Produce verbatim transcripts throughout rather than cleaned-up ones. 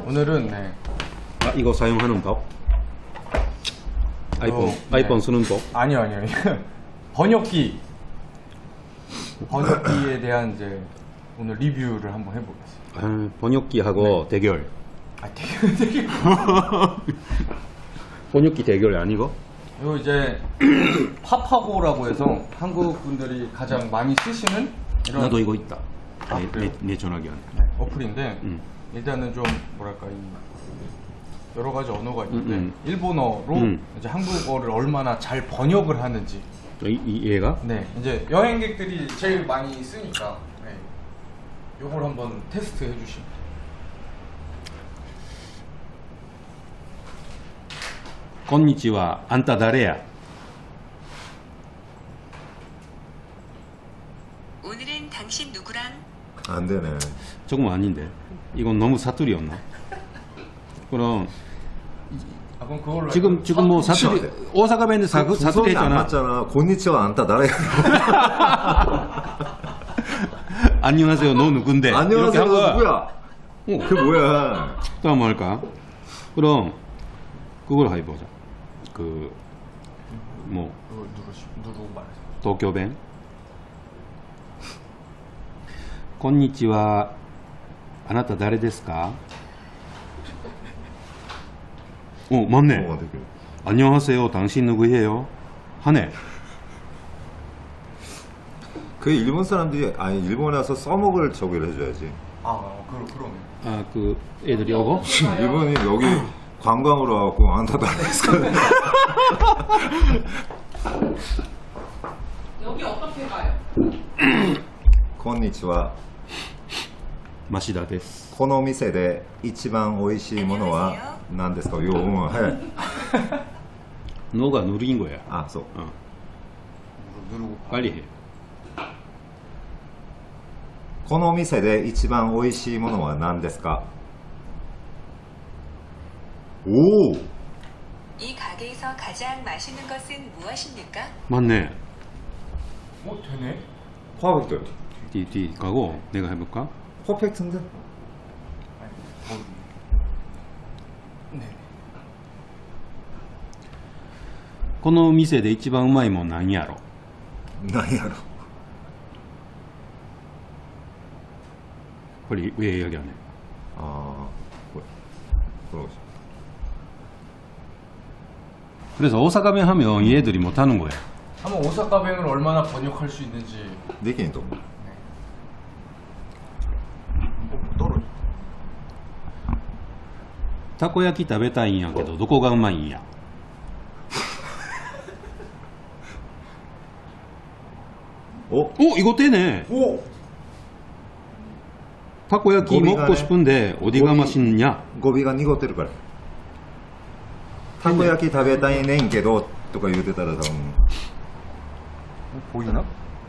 오늘은 네. 아, 이거 사용하는 법? 아이폰, 어, 아이폰 네. 쓰는 법? 아니요, 아니요. 번역기. 번역기에 대한 이제 오늘 리뷰를 한번 해보겠습니다. 아, 번역기하고 네. 대결. 아, 되게, 되게. 번역기 대결 아니고? 이거 이제 파파고라고 해서 한국 분들이 가장 많이 쓰시는 이런 나도 이거 있다. 아, 내, 그래요? 내, 내 전화기 안에. 네, 어플인데 음. 일단은 좀 뭐랄까 이 여러 가지 언어가 있는데 음, 음. 일본어로 음. 이제 한국어를 얼마나 잘 번역을 하는지. 이, 이 얘가? 네, 이제 여행객들이 제일 많이 쓰니까 네. 요걸 한번 테스트 해주시면. 건니치와 안타 다레야. 오늘은 당신 누구랑? 안 되네. 조금 아닌데. 이건 너무 사투리였나? 그럼 아 그럼 그걸로 지금 할까요? 지금 뭐 사투리 그쵸. 오사카弁사, 사투리 구성이 안 했잖아. 맞잖아. 곤니치와 안타 나라야. 안녕하세요. 너 누군데? 안녕하세요. 이렇게 한 거야. 누구야? 어. 그 뭐야? 또 한번 할까? 그럼 그걸 해보자. 그 뭐 그걸 누르시 누르고 말해서. 도쿄弁. 건니치와あなた誰ですか? 어, 맞네. 어, 되게. 안녕하세요. 당신 누구예요? 하네. 그 일본 사람들이 아니 일본에 와서 써먹을 저기를 해줘야지. 아, 아 그러 그러네. 아, 그 애들이 오고? 일본이 여기 관광으로 와갖고 안타 나라에서 여기 어떻게 가요? 곤니치와 マシダです。 この店で一番美味しいものは何ですか? 요, 어, 해. 너가 누린 거야. 아, 소. 어, 누르, 누르고 빨리 해. この店で一番美味しいものは何ですか? 오! 이 가게에서 가장 맛있는 것은 무엇입니까? 맞네. 어 되네. 퍼펙트. 뒤, 뒤 가고 내가 해볼까? 퍼펙트인데? 아니, 뭐, 네. この店で一番うまいもんなんやろ? 나야로. 빨리 왜 이야기 안 해? 아, 뭐야. 그러지. 그래서 오사카弁하면 얘들이 못하는 거야. 한번 오사카弁을 얼마나 번역할 수 있는지. 느낌이 또. 어, 떨어져. たこ焼き食べたいんやけどどこがうまいんや? 어? 어, 이거 되네. 오. 타코야키 고비가네. 먹고 싶은데 어디가 고비. 맛있냐? 고비가濁ってるから. 타코야키 食べたいねんけどとか言うてたら多分 어, 보이나?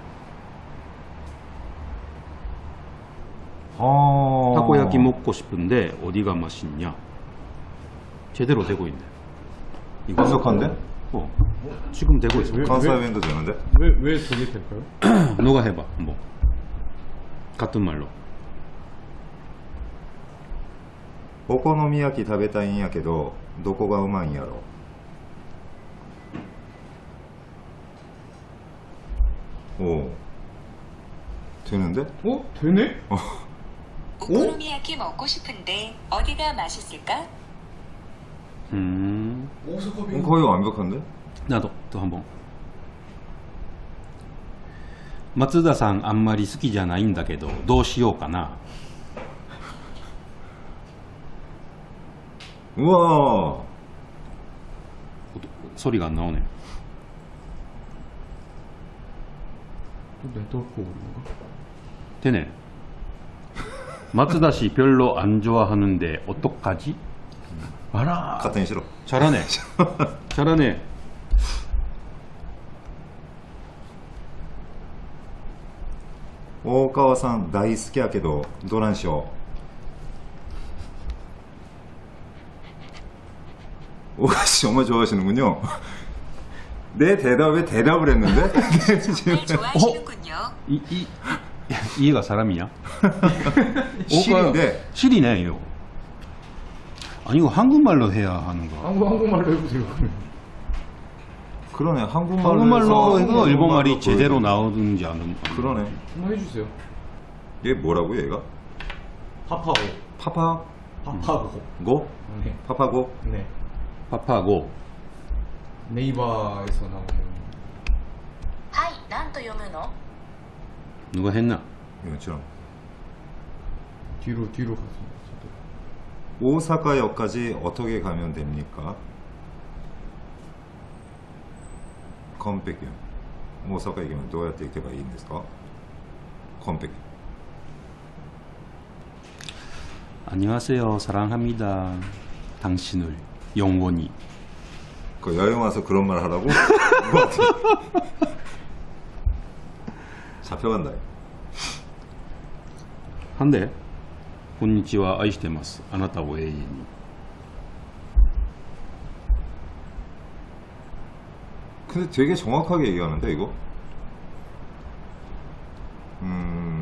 아. 타코야키 먹고 싶은데 어디가 맛있냐? 제대로 되고 있네. 이거 분석한데? 어, 지금 되고 있어. 관사弁도 되는데? 왜, 왜 저게 될까요? 너가 해봐, 뭐 같은 말로. お好み焼き食べたいんやけどどこがうまいんやろ? 오. 되는데? 어 되네? 오코노미야키 먹고 싶은데 어디가 맛있을까? 음, 오사카弁. 거의 완벽한데? 나도 또 한번. 松田さんあんまり好きじゃないんだけどどうしようかな? 우와. 소리가 안 나오네. 또 네트워크 오류인가? 되네. 마츠다 씨 별로 안 좋아하는데 어떡하지? 알아. 같은 싫어. 잘하네. 잘하네. 오카와さん大好きやけどどないしよう? 오가씨 정말 좋아하시는군요. 내 대답에 대답을 했는데? 정말 좋아하시는군요. 이, 이, 이 얘가 사람이야? 실인데. 실이네, 이거. 아니 이거 한국말로 해야 하는 거. 한국, 한국말로 해보세요. 그러네. 한국말로, 한국말로 해서 해서 일본말이 제대로 보여줘. 나오든지 안 그러네. 한번 해주세요. 얘 뭐라고 얘가? 파파고. 파파 파파고. 고? 네. 파파고? 네. 파파고. 네이버에서 나오는. はい、何と読むの？ 누가 했나? 이거처럼. 뒤로, 뒤로 가서. 오사카역까지 어떻게 가면 됩니까? 컴백이. 오사카駅までどうやって行けばいいんですか? 컴백. 안녕하세요. 사랑합니다. 당신을 영원히. 그 여행 와서 그런 말 하라고? 뭐 어떻게- 잡혀간다. 한데. こんにちは愛してますあなたを永遠に 근데 되게 정확하게 얘기하는데 이거? 음...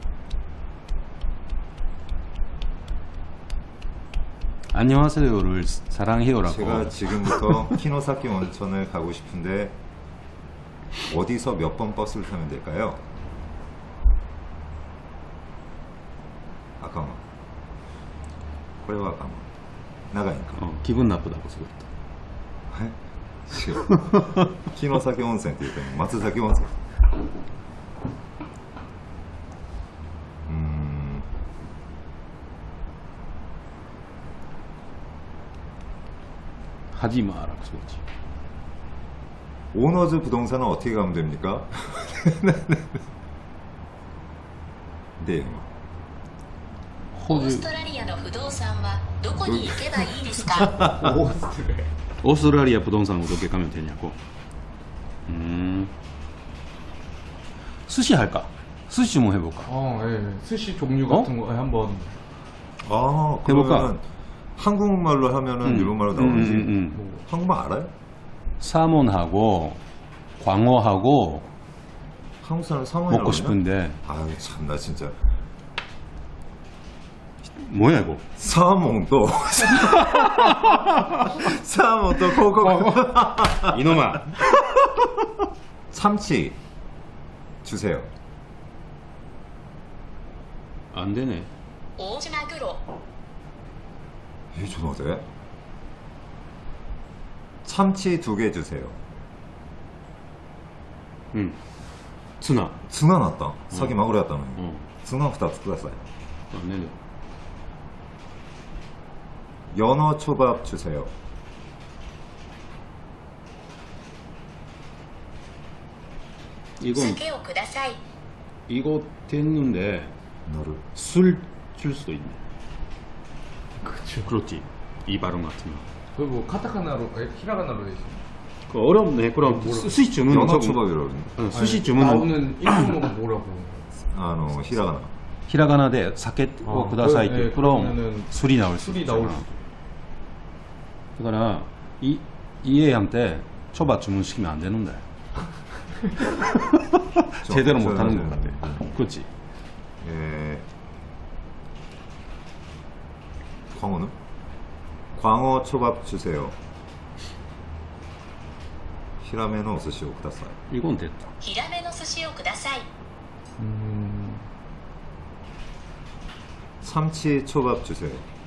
안녕하세요를 사랑해요라고. 제가 지금부터 키노사키 온천을 가고 싶은데 어디서 몇 번 버스를 타면 될까요? 아까만. これは아까만. 나가니까. 어, 기분 나쁘다고 쓰겠다. 違う。城崎温泉って言っても松崎温泉。うーん。 하지 마라고 쓰겠지. 오너즈 부동산은 어떻게 가면 됩니까? 네. オース 호주 トラリアの不動産はどこに行けばいいですか？ 오스트레. 오스트라리아 부동산 어떻게 가면 되냐고. 음. 스시 할까? 스시 좀 해볼까? 어, 예. 스시 종류 어? 같은 거 한번. 아, 해볼까? 그러면 한국말로 하면은 음. 일본말로 나오는지. 음, 음, 음. 뭐. 한국말 알아요? 사몬하고 광어하고 한국 사람 상어라고 먹고 싶은데 아유 참 나 진짜 뭐야 이거? 사몽도 사몽도 코코 이놈아. 참치 주세요. 안 되네. 大島マグロ。 이 전화돼? 참치 두 개 주세요. 응.ツナ. ツナ 났다. 사기 마구로 했다는. 어. ツナふたつください. 안 되네. 연어 초밥 주세요. 이건 酒をください。 이거 됐는데 너를 술 줄 수도 있네. 그쵸. 그렇지. 이 발음 같은 거. 그리고 카타카나로, 에, 히라가나로 돼 있어요. 그 어렵네. 그럼 수- 수시 주문 연어 저거- 초밥이라고 그러네. 어, 수시 아니, 주문 나오는 일본어가 뭐라고? 아, 히라가나. 히라가나데 사케 오 아, 구다사이 그- 네, 그럼 그러면은 술이 나올 수 술이 있잖아. 나올 수. 그러나 이 이해한테 초밥 주문시키면 안 되는데. 제대로 저- 못 하는 저- 것 같아. 그렇지. 예. 광어는? 광어 초밥 주세요. 히라메노 오스시 오 쿠다사이. 이건 됐다. ヒラメの寿司をください。 음, 참치 초밥 주세요.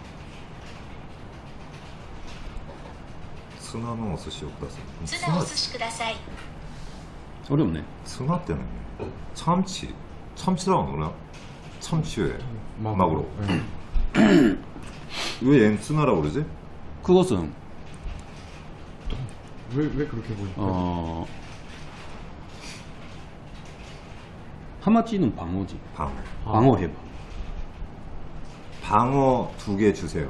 스나노 오스시 오 쿠다사이. ツナお寿司ください。 어렵네. 스나 때는 참치. 참치라고 그러나? 참치에 마구로. 네. 왜 얜 스나라고 그러지? 그것은 왜, 왜 그렇게 보일까? 어 하마치는 방어지. 방어. 방어 해봐. 방어 두 개 주세요.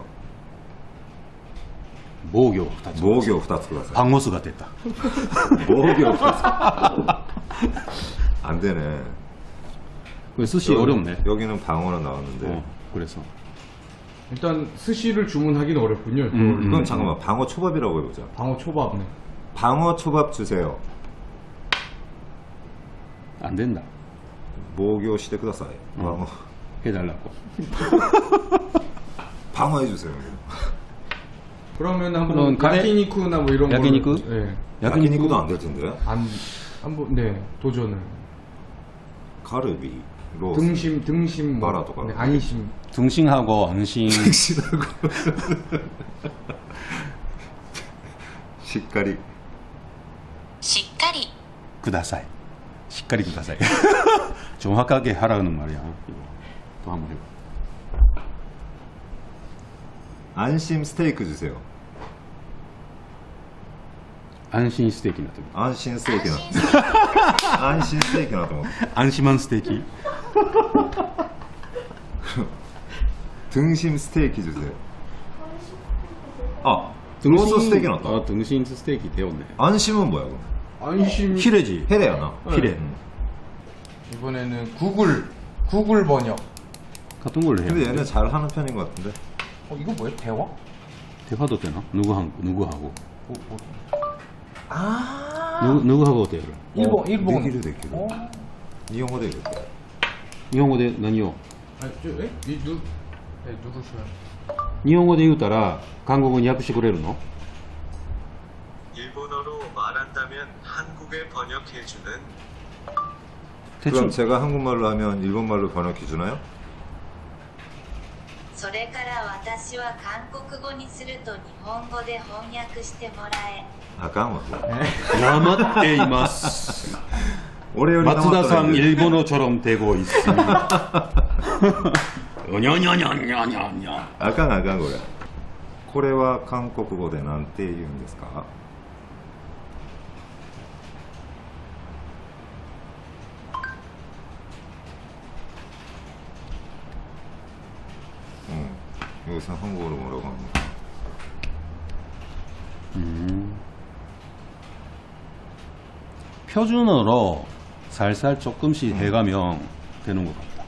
모교. 모교 후다츠 쿠다사이. 방어수가 됐다. 모교 후다츠. 안 되네. 그 스시 여기- 어렵네. 여기는 방어로 나왔는데. 어, 그래서 일단 스시를 주문하기는 어렵군요. 음, 그걸 이건 음. 잠깐만 방어 초밥이라고 해보자. 방어 초밥네. 방어 초밥 주세요. 안 된다. 모교 시대 쿠다사이. 방어 해달라고. 방어 해주세요. 그러면 한번 그럼 가래- 야키니쿠나 뭐 이런 거. 야키니쿠? 네. 야키니쿠도 안 될 텐데. 안 한번 네 도전을. 가르비, 로스. 등심 등심 뭐. 마라도 가라. 네, 안심. 등심하고 안심. 등심하고. 시까리. しっかり 구다사이. 시까리 구다사이. 정확하게 하라는 말이야. 이거 또 한번 해봐. 안심 스테이크 주세요. 안심 스테이키 나도. 안심 스테이크 나. 안심 스테이크 나도. 안심한 스테이키. 등심 스테이크 주세요. 아, 로스 스테이크 나왔다. 어, 등심 스테이크 되었네. 안심은 뭐야 그럼? 안심. 히레지. 헤레야나. 히레. 음. 이번에는 구글 구글 번역. 같은 걸로 해. 근데 얘는 잘 하는 편인 것 같은데. 어 이거 뭐야? 대화? 대화도 되나? 누구 한 누구 하고? 뭐, 뭐. 아. 누구 누구 하고 대화를? 일본 어, 일본. 느끼를 느끼를. 어? 일본어 되겠다. 일본어で何を? 아, 저, 에? 이 누, 네, 누구셔요? 日本語で言うたら韓国語に訳してくれるの? 일본어로 말한다면 한국에 번역해주는 대충 그럼 제가 한국말로 하면 일본말로 번역해 주나요? それから私は韓国語にすると日本語で翻訳してもらえ。 아까 뭐. なまっています. 올해 松田さん 일본어처럼 되고 있습니다. 냐냐냐냐냐냐. 아까 아까 거야. これは韓国語でなんて言うんですか? 응. 여기서 한국어로 뭐라고 합니까? 음. 표준어로 살살 조금씩 해가면 되는 것 같다.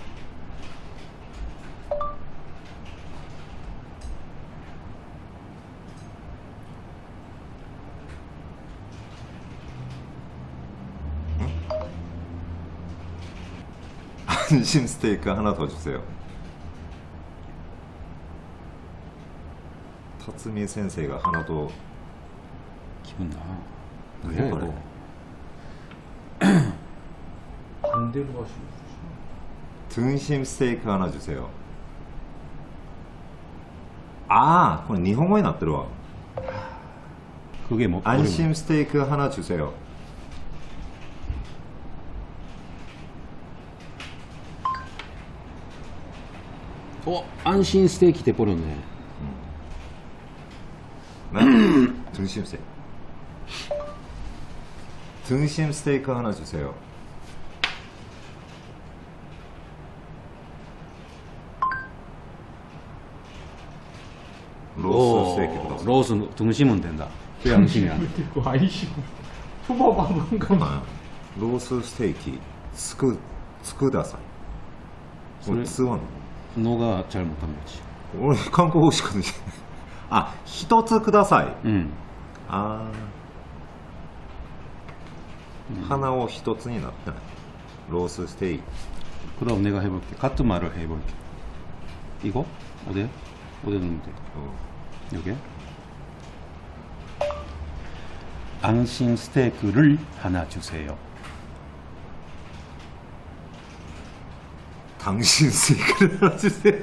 안심 스테이크 하나 더 주세요. 타츠미 센세이가 하나 더. 기분 나. 왜 왜 그래? 너? 반대로 가시는 거죠? 등심 스테이크 하나 주세요. 아, 그건 일본어에 나 들어와. 그게 뭐? 안심 스테이크 하나 주세요. 어, 안심 스테이키 돼버렸네. 네? 등심 스테이크. 등심 스테이크 하나 주세요. 로스 스테이크 더. 로스 등심은 된다. 왜 안심이 안 돼? 그리고 아이시고 초밥 한번 가면. 아, 로스 스테이크 스크 스크다사이. 그래. 스원. 너가 잘 못한 거지. 오늘 한국어 시거든요. 아, 히토츠 쿠다사이. 응. 아. 하나を一つになったね. 로스 스테이크. 그럼 내가 해볼게. 같은 말을 해볼게. 이거? 어디? 어디 넣으면 돼? 어. 여기? 안심 스테이크를 하나 주세요. 당신 스테이크를 하나 주세요.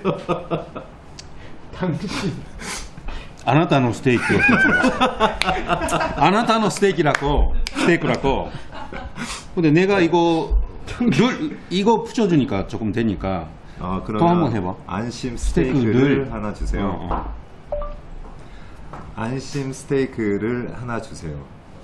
당신. あなたのステーキをあなたのステーキ라고 스테이크라고. 근데 내가 이거 를 이거 붙여주니까 조금 되니까. 아, 그러면 또 한번 해봐. 안심 스테이크를 스테이크를 하나 주세요. 어, 어. 안심 스테이크를 하나 주세요.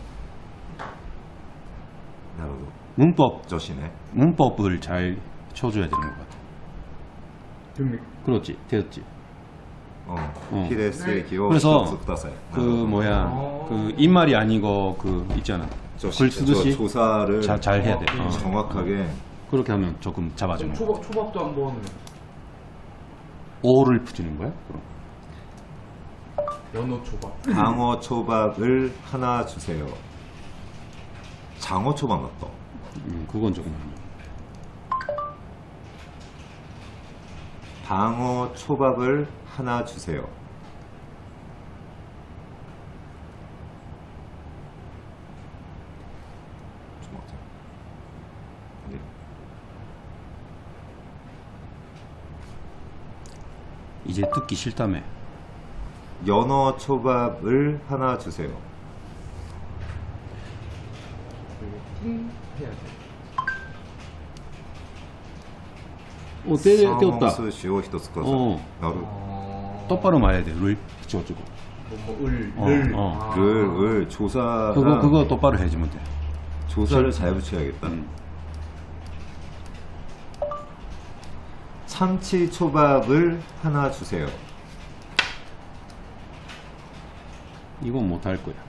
나도 문법 조시네. 문법을 잘 쳐줘야 되는 것 같아. 됩니까? 그렇지, 되었지. 어. 어. 히레 스테이크를 그래서 一つください. 그 뭐야 그 입말이 아니고 그 있잖아. 조시, 글 쓰듯이 저 조사를 잘, 잘 해야 돼. 어. 정확하게. 그렇게 하면 조금 잡아주는 거야. 초밥 초밥도 한번. 오를 붙이는 거야? 그럼. 연어 초밥. 장어 초밥을 하나 주세요. 장어 초밥 맞다. 음, 그건 조금. 방어 초밥을 하나 주세요. 이제 듣기 싫다며. 연어 초밥을 하나 주세요. 음, 해야 돼. 어, 떼, 떼었다. 사먹스시오 히토츠 쿠다사이. 어. 나루. 어... 똑바로 말해야 돼. 를 붙여주고. 뭐, 뭐, 을, 어, 을. 어. 아. 를, 을, 조사. 그거 그거 똑바로 해주면 돼. 조사를 잘 붙여야겠다. 음. 참치 초밥을 하나 주세요. 이건 못 할 거야.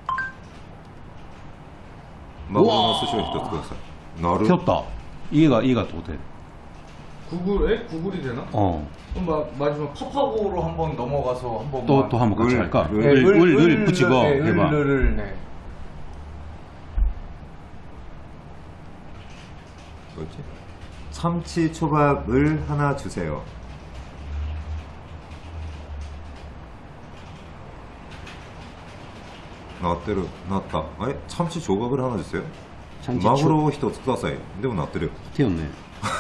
마구로 스시오 히토츠 쿠다사이. 나루. 튀었다. 이가 이가 또 돼. 구글에? 구글이 되나? 어. 그럼 마, 마지막 팝하고로 한번 넘어가서 한번 또 또 한번 같이 을, 할까? 을, 을, 을, 을 붙이고 네, 해봐. 을을 네. 뭐지? 참치 초밥을 하나 주세요. 나왔대로 나왔다. 에? 참치 조밥을 하나 주세요. 참치 초- 마구로 히토츠 쿠다사이. 근데 뭐 나왔대요. 튀었네.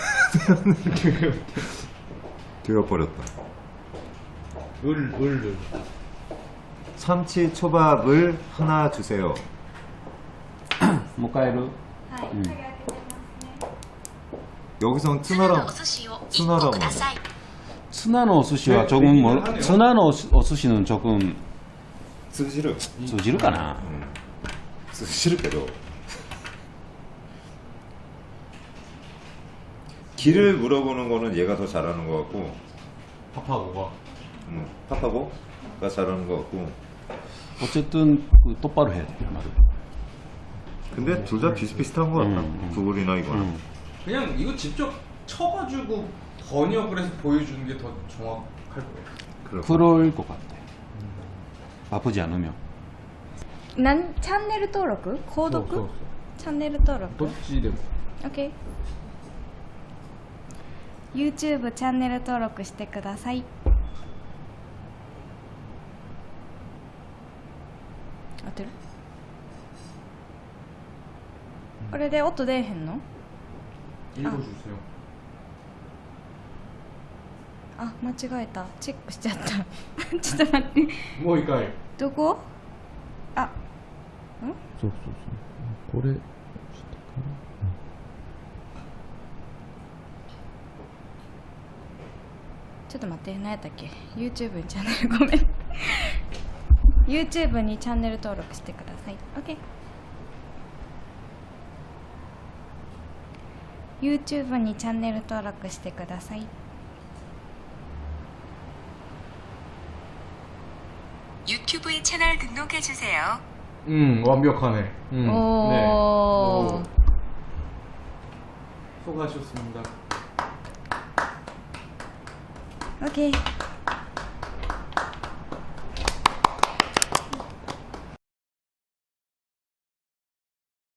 되어버렸다. 을, 을, 을. 참치 초밥을 하나 주세요. 모카에루. はい 음. 여기선 ツナの 트나라 お寿司をいっツナラもこください 스나노 어스시와 네, 조금 뭐 하네요. 스나노 어스- 어스시는 조금 쓰시르 쓰지를까나. 쓰시르けど 길을 물어보는 거는 얘가 더 잘하는 것 같고 팝하고가. 음, 파파고가 잘하는 것 같고 어쨌든 그 똑바로 해야 돼 말을. 근데 둘 다 비슷비슷한 것 같다. 음, 음. 구글이나 이거는. 음. 그냥 이거 직접 쳐가지고 번역을 해서 보여주는 게 더 정확할 거예요. 그렇고. 그럴 것 같아. 바쁘지 않으면. なんチャンネル登録購そうそう読チャンネル登録どっちでも。 OK YouTube チャンネル登録してください合ってるこれで音出えへんの 읽어주세요. あ間違えたチェックしちゃったちょっと待って 뭐 이까이. どこあそうそうそう。これ。 ちょっと待って何やったっけ YouTube にチャンネルごめんYouTube にチャンネル登録してください OK YouTube にチャンネル登録してください 유튜브에 채널 등록해주세요. 음 완벽하네. 음, 오. 네. 오. 수고하셨습니다. OK